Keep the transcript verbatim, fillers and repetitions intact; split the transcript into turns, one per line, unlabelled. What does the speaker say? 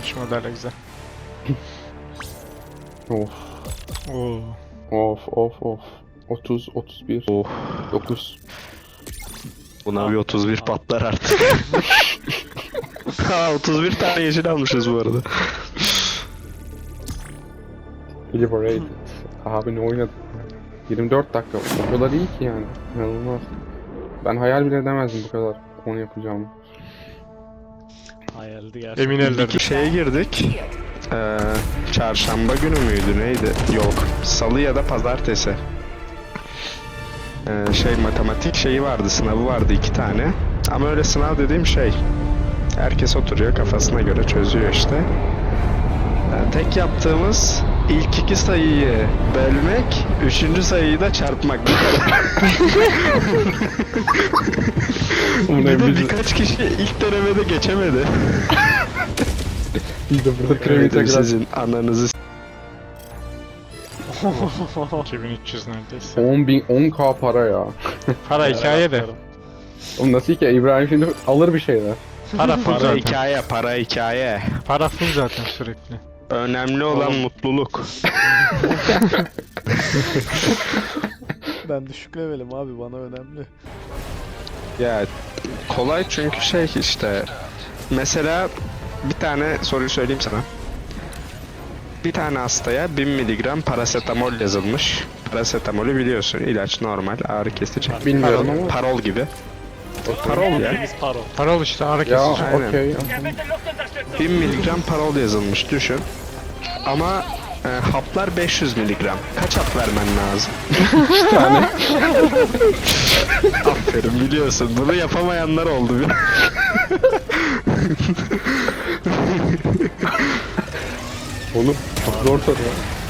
Şu model güzel.
Of.
Oo.
Of of of. otuz, otuz bir,
Oh.
dokuz.
Buna bir otuz bir patlar artık. Ha otuz bir tane yeşil almışız bu arada.
Liberated. Abi ne oynadık? yirmi dört dakika. O kadar iyi ki yani. İnanılmaz. Ben hayal bile edemezdim bu kadar onu yapacağımı.
Hayaldi gerçekten.
Emin ellerde.
Bir şeye girdik. Ee, çarşamba günü müydü neydi? Yok. Salı ya da pazartesi. Ee, şey matematik şeyi vardı, sınavı vardı iki tane. Ama öyle sınav dediğim şey. Herkes oturuyor kafasına göre çözüyor işte. Ee, tek yaptığımız ilk iki sayıyı bölmek, üçüncü sayıyı da çarpmak. Bir de birkaç kişi ilk denemede geçemedi.
İyi de burada kremi
Evet,
tekrar.
sizin ananızı s-
iki bin üç yüz neredeyse.
on bin, on k para ya.
Para hikaye de.
Oğlum nasıl ki İbrahim şimdi alır bir şeyler.
Para full
para
zaten.
hikaye, para hikaye.
Para full zaten sürekli.
Önemli olan
Oğlum.
mutluluk.
Ben düşük levelim abi, bana önemli.
Ya kolay çünkü şey işte. Mesela bir tane soruyu söyleyeyim sana. Bir tane hastaya bin miligram parasetamol yazılmış. Parasetamolü biliyorsun, ilaç, normal ağrı kesici.
Bilmiyorum ama.
Parol gibi. Parol ya.
Biz paro.
Para işte ağrı
Ya
kesici.
Aynen.
okey.
bin miligram parol yazılmış düşün. Ama e, haplar beş yüz miligram. Kaç hap vermen lazım?
İki tane.
Aferin, biliyorsun. Bunu yapamayanlar oldu.
Oğlum çok zor soru ya.